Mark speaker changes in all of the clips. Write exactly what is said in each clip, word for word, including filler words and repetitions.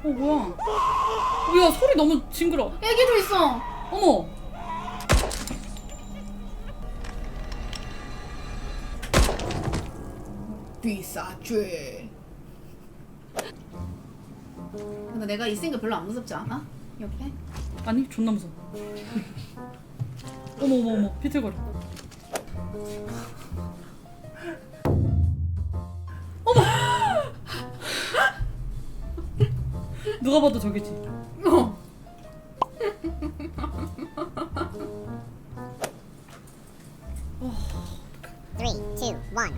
Speaker 1: 뭐야? 야 소리 너무 징그러.
Speaker 2: 애기도 있어.
Speaker 1: 어머.
Speaker 2: 비싸죄. 근데 내가 있으니까 별로 안 무섭지 않아? 옆에?
Speaker 1: 아니 존나 무서워. 어머 어머 어머 비틀거려. 어머. 누가 봐도 저기지.
Speaker 2: 어.
Speaker 3: Three, two, one.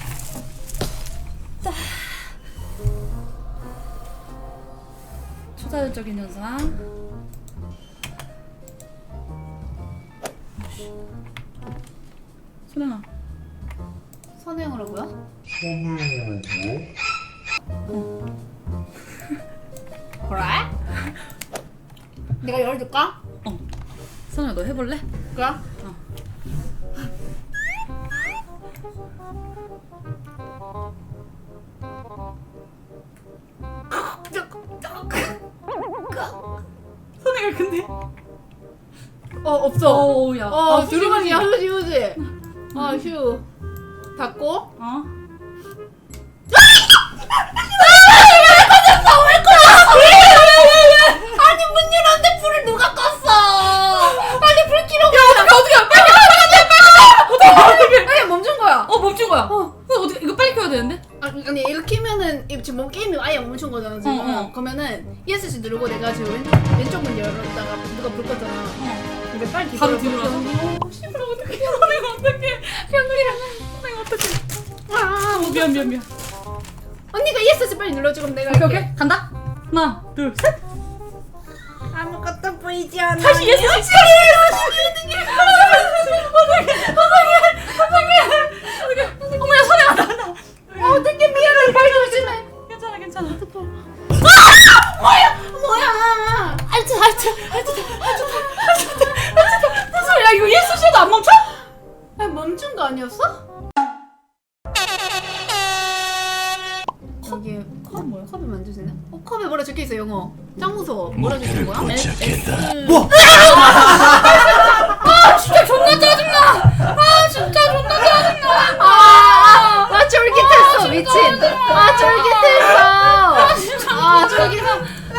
Speaker 1: 초자연적인 현상. 소연아.
Speaker 2: 선행으로고요? 그래? 내가 열어줄까?
Speaker 1: 어. 소연아 너 해볼래?
Speaker 2: 그래?
Speaker 1: 어. 소연이가 근데.
Speaker 2: 어 없어.
Speaker 1: 어우 야.
Speaker 2: 어
Speaker 1: 아,
Speaker 2: 두루마리야 휴지 휴지. 아 휴. 닫고.
Speaker 1: 어?
Speaker 2: 아니 문 열었는데 불을 누가 껐어? 빨리 불 켜려.
Speaker 1: 야 어떻게 어떻게 빨리 빨리 빨리 어떻게 어떻게
Speaker 2: 아니 멈춘 거야.
Speaker 1: 어 멈춘 거야.
Speaker 2: 어.
Speaker 1: 그럼 어떻게 이거 빨리 켜야 되는데?
Speaker 2: 아니, 아니 이거 키면은 이- 지금 뭐 게임이 아예 멈춘 거잖아 지금.
Speaker 1: 어, 어.
Speaker 2: 그러면은 이에스씨 누르고 내가 지금 왼쪽 왼쪽 문 열었다가 누가 불 껐잖아.
Speaker 1: 어.
Speaker 2: 근데 빨리
Speaker 1: 바로
Speaker 2: 뒤돌아서
Speaker 1: 뒤돌아서. 어 씨발 어떡해. 내가 어떡해. 현우이랑 내가 어떡해.
Speaker 2: 아,
Speaker 1: 어 미안 미안 미안.
Speaker 2: 언니가 이에스씨 빨리 눌러줘 그럼 내가
Speaker 1: 오케이
Speaker 2: 할게.
Speaker 1: 오케이 간다. 하나 둘 셋.
Speaker 2: 아무것도 보이지 않아.
Speaker 1: 다시 예스 예스 예스. 어떡해. 어머야 소리가 나나.
Speaker 2: 어떻게 미안해 빨리 조심해.
Speaker 1: 괜찮아 괜찮아.
Speaker 2: 뭐야 뭐야.
Speaker 1: 알트 알트 알트 알트 알트 알트. 무슨 소리야 이거 예스 씨도 안 멈춰?
Speaker 2: 아니 멈춘 거 아니었어? 여기 컵 뭐야? 컵에 만져지네? 어 컵에 뭐라 적혀있어 영어. 짱 무서워. 뭐라 적혀있는 거야?
Speaker 1: 뭐? 아 진짜 존나 짜증나. 아 진짜 존나 짜증나.
Speaker 2: 아, 아 쫄깃했어 미친. 아 쫄깃했어.
Speaker 1: 아 진짜.
Speaker 2: 아 쫄깃했어.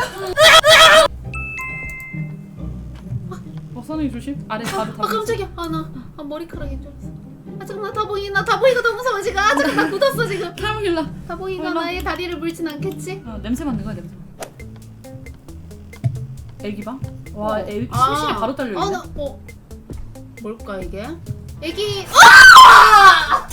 Speaker 1: 어 선생님 조심. 아래 바로
Speaker 2: 아
Speaker 1: 다.
Speaker 2: 깜짝이야. 아나 아, 머리카락인 줄 알았어. 아 잠깐만 다 보이나 다 보이가 너무 무서워 지금. 아 잠깐 나 굳었어 지금.
Speaker 1: 탈모길라.
Speaker 2: 다 보이가
Speaker 1: 얼마?
Speaker 2: 나의 다리를 물진 않겠지?
Speaker 1: 어, 냄새 맡는 거야 냄새. 애기방? 와
Speaker 2: 어.
Speaker 1: 애기
Speaker 2: 아.
Speaker 1: 심심이 바로 딸려 있네.
Speaker 2: 아, 나, 어. 뭘까 이게? 애기. 아!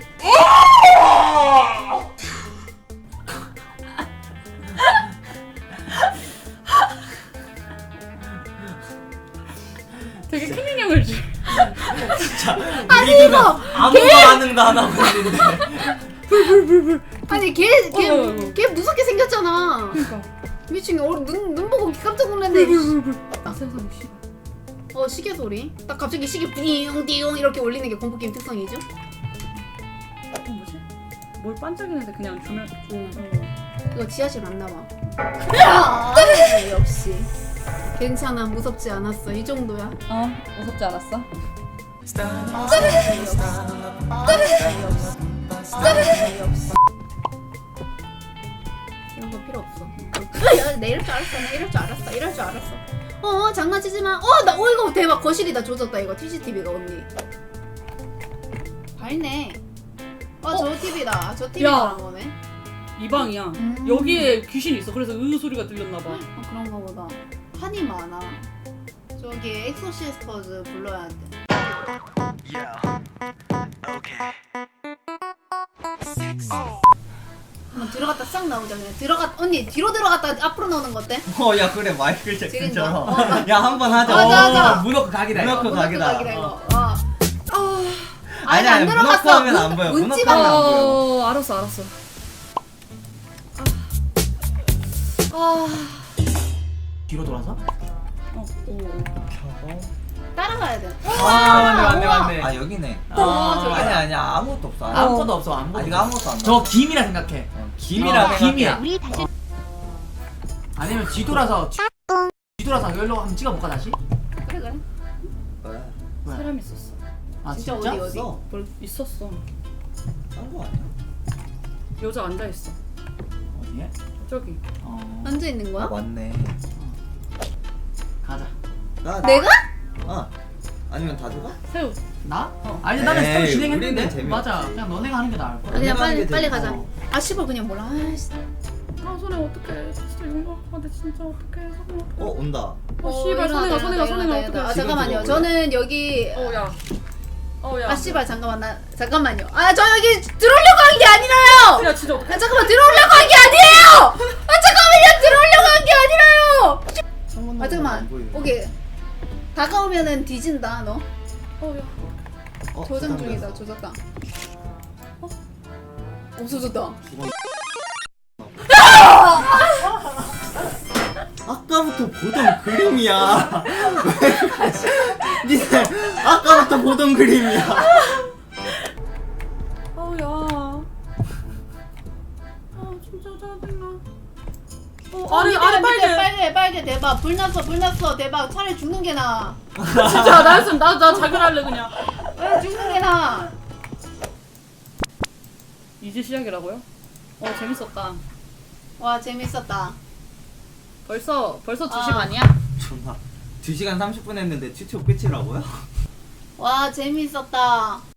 Speaker 1: 되게 큰 인형을 주.
Speaker 4: 진짜
Speaker 2: 아니,
Speaker 4: 우리들은
Speaker 2: 이거
Speaker 4: 아무 반응도 안 하고 있는데
Speaker 1: 불불불불.
Speaker 2: 아니 걔, 걔,
Speaker 1: 어, 어, 어.
Speaker 2: 걔 무섭게 생겼잖아.
Speaker 1: 그러니까.
Speaker 2: 미친 어, 눈, 눈 보고 깜짝 놀랐네.
Speaker 1: 불불불불. 아 세상 씨.
Speaker 2: 어 시계 소리. 딱 갑자기 시계 띵띵 이렇게 울리는 게 공포 게임 특성이죠?
Speaker 1: 어 뭐지? 뭘 반짝이는데 그냥 주면.
Speaker 2: 응.
Speaker 1: 어.
Speaker 2: 이거 지하실 왔나 봐. 아, 네, 역시. 괜찮아 무섭지 않았어 이 정도야.
Speaker 1: 어 무섭지 않았어?
Speaker 2: 이런 거 필요 없어. 야, 내 이럴 줄 알았어. 나 이럴 줄 알았어. 이럴 줄 알았어. 어, 장난치지 마. 어, 나, 어, 이거 대박. 거실이 다 조졌다, 이거. 씨씨티비가, 언니. 밝네. 아, 저 티비다. 저 티비
Speaker 1: 야.
Speaker 2: 그런 거네.
Speaker 1: 이 방이야.
Speaker 2: 음.
Speaker 1: 여기에 귀신이 있어. 그래서 으 소리가 들렸나 봐.
Speaker 2: 아, 그런가 보다. 한이 많아. 저기, 엑소시스터즈 불러야 돼. 한번 들어갔다 싹 나오자, 그냥. 들어갔, 언니, 뒤로 들어갔다 앞으로 나오는 거 어때?
Speaker 4: 어야 그래 마이클 잭슨처럼
Speaker 2: 지린다.
Speaker 4: 야 한 번 하자.
Speaker 2: 맞아, 맞아.
Speaker 4: 어, 문어크 각이다. 문어크 각이다.
Speaker 2: 각이다, 이거.
Speaker 4: 어.
Speaker 2: 어. 아, 아니,
Speaker 4: 아니,
Speaker 2: 안
Speaker 4: 아니, 문어크
Speaker 2: 들어갔어.
Speaker 4: 하면 안 보여. 문어크
Speaker 2: 문지방
Speaker 4: 하면 안 보여.
Speaker 1: 어 알았어 알았어.
Speaker 2: 아,
Speaker 4: 뒤로 돌아서?
Speaker 1: 어. 오.
Speaker 2: 따라가야 돼.
Speaker 4: 아 맞네 맞네
Speaker 2: 우와.
Speaker 4: 맞네.
Speaker 5: 아 여기네.
Speaker 2: 어, 저기다.
Speaker 4: 아니 아니야 아무것도 없어.
Speaker 5: 아무것도 없어. 아무것도.
Speaker 4: 아직 아무것도 안
Speaker 5: 저 김이라 생각해.
Speaker 4: 어,
Speaker 5: 김이라
Speaker 4: 어,
Speaker 5: 김이야.
Speaker 3: 우리 다시
Speaker 4: 아니면 뒤돌아서 뒤돌아서 여기로 한번 찍어볼까 다시?
Speaker 2: 그래 그래.
Speaker 4: 왜?
Speaker 1: 사람 있었어.
Speaker 4: 아
Speaker 2: 진짜
Speaker 4: 진짜?
Speaker 2: 어디, 어디?
Speaker 4: 써?
Speaker 1: 뭘 있었어.
Speaker 4: 딴거 아니야?
Speaker 1: 여자 앉아 있어.
Speaker 4: 어디에?
Speaker 1: 저기.
Speaker 4: 어.
Speaker 2: 앉아 있는 거야?
Speaker 5: 아 맞네.
Speaker 4: 가자.
Speaker 5: 나
Speaker 2: 내가?
Speaker 5: 아 아니면 다주가?
Speaker 1: 새우.
Speaker 4: 나? 어. 아니 나는
Speaker 5: 에이,
Speaker 4: 스토리 진행했는데.
Speaker 5: 우리는 재미없어.
Speaker 4: 맞아. 그냥 너네가 하는 게 나을 거야.
Speaker 2: 그냥
Speaker 5: 내가 하는
Speaker 2: 빨리
Speaker 5: 게
Speaker 2: 빨리
Speaker 5: 되지.
Speaker 2: 가자.
Speaker 4: 어.
Speaker 2: 아 씨발 그냥 몰라. 아이씨.
Speaker 1: 아 손에 어떡해. 진짜 용감한데 진짜 어떡해. 손에 어떡해.
Speaker 5: 어 온다.
Speaker 1: 어 씨발 손해가 손해가 손해가 어떡해.
Speaker 2: 아
Speaker 5: 지금
Speaker 2: 잠깐만요.
Speaker 5: 들어올래?
Speaker 2: 저는 여기
Speaker 1: 어 야. 어 야.
Speaker 2: 아 씨발 잠깐만 나 잠깐만요. 아 저 여기 들어오려고 한 게 아니라요.
Speaker 1: 야 진짜 어떡해.
Speaker 2: 아 잠깐만 들어오려고 한 게 아니에요. 아 잠깐만요 들어오려고 한 게 아니라요. 아 잠깐만 오케이 다가오면은 뒤진다 너.
Speaker 1: 어 야.
Speaker 5: 어,
Speaker 2: 조정
Speaker 5: 부담돼서.
Speaker 2: 중이다 조졌다. 어? 없어졌다.
Speaker 5: 죽어. 아까부터 보던 그림이야. 왜 가지? 니네 아까부터 보던 그림이야.
Speaker 1: 아우 야. 아 진짜 짜증나. 어 아래 아래 빨개.
Speaker 2: 빨개 빨개 대박 불 났어 불 났어 대박 차라리 죽는 게 나아.
Speaker 1: 진짜 나였으면 나나 자결할래 그냥.
Speaker 2: 왜 죽는 게 나아.
Speaker 1: 이제 시작이라고요? 어 재밌었다.
Speaker 2: 와 재밌었다.
Speaker 1: 벌써 벌써 두 시
Speaker 2: 아.
Speaker 1: 반이야?
Speaker 5: 존나 두 시간 삼십 분 했는데 튜토 끝이라고요?
Speaker 2: 와 재밌었다.